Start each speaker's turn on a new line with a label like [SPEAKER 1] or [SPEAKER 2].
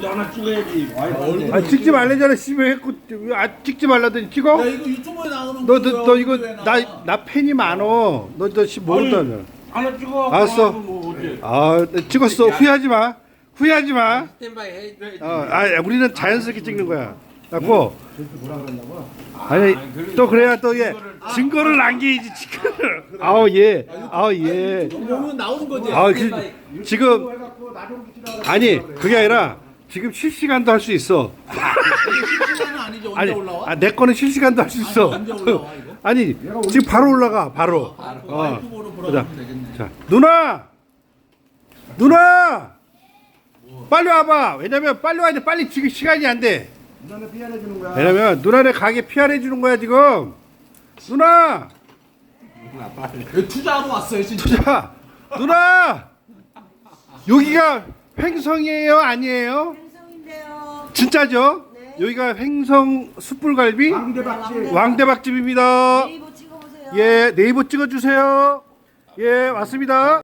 [SPEAKER 1] 하나 찍어야지.
[SPEAKER 2] 아 찍지 말래잖아. 씨발 했고 찍지 말라더니 찍어?
[SPEAKER 3] 야 이거 유튜브에 나오는
[SPEAKER 2] 너 이거 나 팬이 많어. 너너 모른다며.
[SPEAKER 1] 하나 찍어.
[SPEAKER 2] 알았어.
[SPEAKER 1] 뭐 어째.
[SPEAKER 2] 아 찍었어. 후회하지 마. 후회하지 마.
[SPEAKER 1] 스탠바이 해.
[SPEAKER 2] 우리는 자연스럽게 찍는 거야. 갖고. 아니 또 그래야 또 얘 증거를 남기지 증거를. 예. 예.
[SPEAKER 3] 보면 나오는 거지.
[SPEAKER 2] 지금 아니 그게 아니라 지금 실시간도 할 수 있어.
[SPEAKER 3] 실시간은 아니죠. 언제
[SPEAKER 2] 아니
[SPEAKER 3] 올라와?
[SPEAKER 2] 내 거는 실시간도 할 수 있어.
[SPEAKER 3] 언제 올라와 이거?
[SPEAKER 2] 아니 지금 바로 올라가 바로.
[SPEAKER 3] 유튜브로 보러 가면 되겠네.
[SPEAKER 2] 자 누나 빨리 와봐. 왜냐면 빨리 와야 돼. 빨리 지금 시간이 안 돼.
[SPEAKER 1] 누나는 피안해 주는 거야.
[SPEAKER 2] 왜냐면 누나네 가게 PR 주는 거야 지금. 누나
[SPEAKER 3] 여기 투자하러 왔어요 진짜.
[SPEAKER 2] 자 누나 여기가 횡성이에요 아니에요?
[SPEAKER 4] 횡성인데요.
[SPEAKER 2] 진짜죠?
[SPEAKER 4] 네.
[SPEAKER 2] 여기가 횡성 숯불갈비 왕대박집입니다.
[SPEAKER 4] 네이버 찍어보세요.
[SPEAKER 2] 예 네이버 찍어주세요. 예 맞습니다.